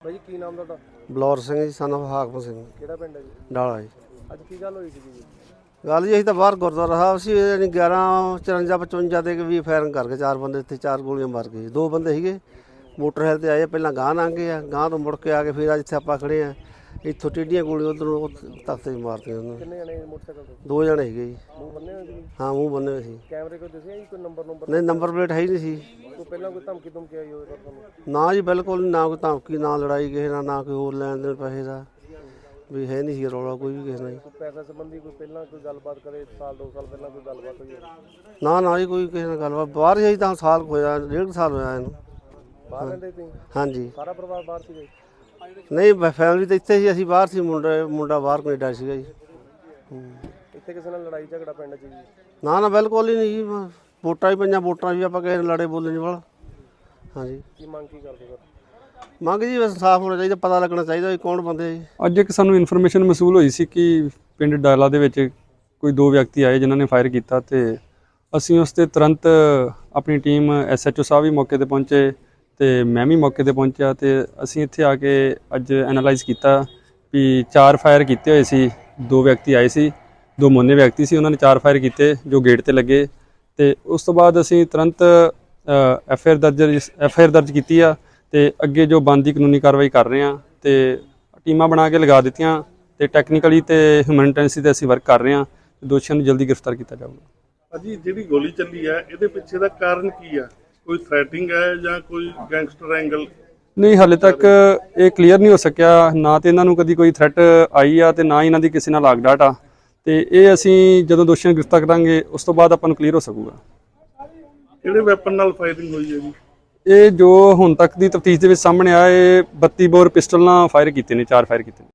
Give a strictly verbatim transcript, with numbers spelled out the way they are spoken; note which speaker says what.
Speaker 1: भाई की नाम ਤੁਹਾਡਾ?
Speaker 2: ਬਲੌਰ ਸਿੰਘ ਜੀ, ਸਨ ਆਫ ਹਾਕਮ ਸਿੰਘ।
Speaker 1: ਕਿਹੜਾ ਪਿੰਡ ਹੈ ਜੀ?
Speaker 2: ਡਾਲਾ ਜੀ।
Speaker 1: ਅੱਜ ਕੀ ਗੱਲ ਹੋਈ ਸੀ ਜੀ?
Speaker 2: ਗੱਲ ਜੀ ਅਸੀਂ ਤਾਂ ਬਾਹਰ ਗੁਰਦੁਆਰਾ ਸਾਹਿਬ ਸੀ, ਯਾਨੀ ਗਿਆਰਾਂ ਚੁਰੰਜਾ ਪਚਵੰਜਾ ਤੇ ਵੀ ਫਾਇਰਿੰਗ ਕਰਕੇ ਚਾਰ ਬੰਦੇ ਇੱਥੇ ਚਾਰ ਗੋਲੀਆਂ ਮਾਰ ਗਏ। ਦੋ ਬੰਦੇ ਸੀਗੇ ਮੋਟਰਸਾਈਕਲ ਤੇ ਆਏ, ਪਹਿਲਾਂ ਗਾਂਹ ਲੰਘੇ ਆ, ਗਾਂਹ ਤੋਂ ਮੁੜ ਕੇ ਆ ਕੇ ਫਿਰ ਅੱਜ ਇੱਥੇ ਆਪਾਂ ਖੜੇ ਆ। ਇੱਥੋਂ ਟੇਢੀਆਂ ਗੋਲੀਆਂ ਉੱਧਰੋਂ ਤਖਤੇ 'ਚ ਮਾਰਤੀਆਂ ਉਹਨਾਂ।
Speaker 1: ਕਿੰਨੇ ਜਣੇ ਮੋਟਰਸਾਈਕਲ ਤੇ?
Speaker 2: ਦੋ ਜਣੇ ਸੀਗੇ ਜੀ।
Speaker 1: ਮੂੰਹ ਬੰਨੇ ਹੋਏ ਸੀ?
Speaker 2: ਹਾਂ, ਮੂੰਹ ਬੰਨੇ ਹੋਏ ਸੀ।
Speaker 1: ਕੈਮਰੇ ਕੋਈ ਦਿਸਿਆ ਜੀ? ਕੋਈ ਨੰਬਰ ਨੰਬਰ
Speaker 2: ਨਹੀਂ, ਨੰਬਰ ਪਲੇਟ ਹੈ ਹੀ ਨਹੀਂ ਸੀ।
Speaker 1: ਕੋਈ ਪਹਿਲਾਂ ਕੋਈ ਧਮਕੀ ਧਮਕੀ ਆਈ ਹੋਵੇ ਤੁਹਾਨੂੰ?
Speaker 2: ਨਾ ਜੀ, ਬਿਲਕੁਲ ਨਹੀਂ। ਨਾ ਕੋਈ ਧਮਕੀ, ਨਾ ਲੜਾਈ ਕਿਸੇ ਨਾਲ, ਨਾ ਕੋਈ ਹੋਰ ਲੈਣ ਦੇਣ ਪੈਸੇ ਦਾ ਵੀ ਹੈ ਨਹੀਂ ਸੀ ਰੌਲਾ ਕੋਈ ਵੀ ਕਿਸੇ ਨਾਲ ਜੀ।
Speaker 1: ਕੋਈ ਪੈਸਾ ਸੰਬੰਧੀ ਕੋਈ ਪਹਿਲਾਂ ਕੋਈ ਗੱਲਬਾਤ ਕਰੇ? ਸਾਲ ਦੋ ਸਾਲ ਪਹਿਲਾਂ ਕੋਈ ਗੱਲਬਾਤ ਹੋਈ ਹੋਵੇ?
Speaker 2: ਨਾ ਨਾ ਜੀ, ਕੋਈ ਕਿਸੇ ਨਾਲ ਗੱਲਬਾਤ। ਬਾਹਰ ਹੀ ਤਾਂ ਸਾਲ ਹੋਇਆ, ਡੇਢ ਸਾਲ ਹੋਇਆ ਇਹਨੂੰ।
Speaker 1: ਬਾਹਰ ਰਹਿੰਦੇ ਤੁਸੀਂ?
Speaker 2: ਹਾਂਜੀ।
Speaker 1: ਸਾਰਾ ਪਰਿਵਾਰ ਬਾਹਰ ਸੀ ਜੀ?
Speaker 2: ਨਹੀਂ, ਫੈਮਿਲੀ ਤਾਂ ਇੱਥੇ ਸੀ, ਅਸੀਂ ਬਾਹਰ ਸੀ। ਮੁੰਡਾ ਮੁੰਡਾ ਬਾਹਰ ਕੈਨੇਡਾ ਸੀਗਾ ਜੀ।
Speaker 1: ਇੱਥੇ ਕਿਸੇ ਨਾਲ ਲੜਾਈ ਝਗੜਾ ਪਿੰਡ 'ਚ ਜੀ?
Speaker 2: ਨਾ ਨਾ, ਬਿਲਕੁਲ ਹੀ ਨਹੀਂ ਜੀ। ਵੋਟਾਂ ਹੀ ਪੰਜਾਂ ਵੋਟਾਂ ਵੀ ਆਪਾਂ ਕਿਸੇ ਨਾਲ ਲੜੇ ਬੋਲੇ ਨਹੀਂ ਵਾਲਾ। ਹਾਂਜੀ।
Speaker 1: ਕੀ ਮੰਗ ਕੀ ਕਰਦੇ ਫਿਰ?
Speaker 2: ਮੰਗ ਜੀ ਬਸ ਸਾਫ਼ ਹੋਣਾ ਚਾਹੀਦਾ, ਪਤਾ ਲੱਗਣਾ ਚਾਹੀਦਾ ਵੀ ਕੌਣ ਬੰਦੇ ਜੀ।
Speaker 3: ਅੱਜ ਇੱਕ ਸਾਨੂੰ ਇਨਫੋਰਮੇਸ਼ਨ ਮਸੂਲ ਹੋਈ ਸੀ ਕਿ ਪਿੰਡ ਡਾਲਾ ਦੇ ਵਿੱਚ ਕੋਈ ਦੋ ਵਿਅਕਤੀ ਆਏ ਜਿਨ੍ਹਾਂ ਨੇ ਫਾਇਰ ਕੀਤਾ, ਤੇ ਅਸੀਂ ਉਸ 'ਤੇ ਤੁਰੰਤ ਆਪਣੀ ਟੀਮ ਐਸ ਐਚ ਓ ਸਾਹਿਬ ਵੀ ਮੌਕੇ 'ਤੇ ਪਹੁੰਚੇ ਤੇ ਮੈਂ ਵੀ ਮੌਕੇ 'ਤੇ ਪਹੁੰਚਿਆ, ਤੇ ਅਸੀਂ ਇੱਥੇ ਆ ਕੇ ਅੱਜ ਐਨਾਲਾਈਜ਼ ਕੀਤਾ ਵੀ ਚਾਰ ਫਾਇਰ ਕੀਤੇ ਹੋਏ ਸੀ। ਦੋ ਵਿਅਕਤੀ ਆਏ ਸੀ, ਦੋ ਮੋਨੇ ਵਿਅਕਤੀ ਸੀ, ਉਹਨਾਂ ਨੇ ਚਾਰ ਫਾਇਰ ਕੀਤੇ ਜੋ ਗੇਟ ਤੇ ਲੱਗੇ, ਤੇ ਉਸ ਤੋਂ ਬਾਅਦ ਅਸੀਂ ਤੁਰੰਤ ਐਫ ਆਈ ਆਰ ਦਰਜ ਐਫ ਆਈ ਆਰ ਦਰਜ ਕੀਤੀ ਆ, ਤੇ ਅੱਗੇ ਜੋ ਬਣਦੀ ਕਾਨੂੰਨੀ ਕਾਰਵਾਈ ਕਰ ਰਹੇ ਹਾਂ, ਤੇ ਟੀਮਾਂ ਬਣਾ ਕੇ ਲਗਾ ਦਿੱਤੀਆਂ, ਤੇ ਟੈਕਨੀਕਲੀ ਤੇ ਹਿਊਮਨਿਟੈਂਸੀ ਤੇ ਅਸੀਂ ਵਰਕ ਕਰ ਰਹੇ ਹਾਂ। ਦੋਸ਼ੀਆਂ ਨੂੰ ਜਲਦੀ ਗ੍ਰਿਫਤਾਰ ਕੀਤਾ ਜਾਊਗਾ।
Speaker 4: ਅਜੀ ਜਿਹੜੀ ਗੋਲੀ ਚੱਲੀ ਹੈ ਇਹਦੇ ਪਿੱਛੇ ਦਾ ਕਾਰਨ ਕੀ ਆ? ਕੋਈ ਥ੍ਰੈਟਿੰਗ ਹੈ ਜਾਂ ਕੋਈ ਗੈਂਗਸਟਰ ਐਂਗਲ?
Speaker 3: ਨਹੀਂ, ਹਾਲੇ ਤੱਕ ਇਹ ਕਲੀਅਰ ਨਹੀਂ ਹੋ ਸਕਿਆ। ਨਾ ਤੇ ਇਹਨਾਂ ਨੂੰ ਕਦੀ ਕੋਈ ਥ੍ਰੈਟ ਆਈ ਆ, ਤੇ ਨਾ ਇਹਨਾਂ ਦੀ ਕਿਸੇ ਨਾਲ ਲਾਗ ਡਾਟ ਆ, ਤੇ ਇਹ ਅਸੀਂ ਜਦੋਂ ਦੋਸ਼ੀਆਂ ਨੂੰ ਗ੍ਰਿਫਤਾਰ ਕਰਾਂਗੇ ਉਸ ਤੋਂ ਬਾਅਦ ਆਪਾਂ ਨੂੰ ਕਲੀਅਰ ਹੋ ਸਕੂਗਾ।
Speaker 4: ਕਿਹੜੇ ਵੈਪਨ ਨਾਲ ਫਾਇਰਿੰਗ ਹੋਈ ਹੈ ਜੀ?
Speaker 3: ਇਹ ਜੋ ਹੁਣ ਤੱਕ ਦੀ ਤਫਤੀਸ਼ ਦੇ ਵਿੱਚ ਸਾਹਮਣੇ ਆਇਆ, ਇਹ ਬੱਤੀ ਬੋਰ ਪਿਸਟਲ ਨਾਲ ਫਾਇਰ ਕੀਤੇ ਨੇ, ਚਾਰ ਫਾਇਰ ਕੀਤੇ ਨੇ।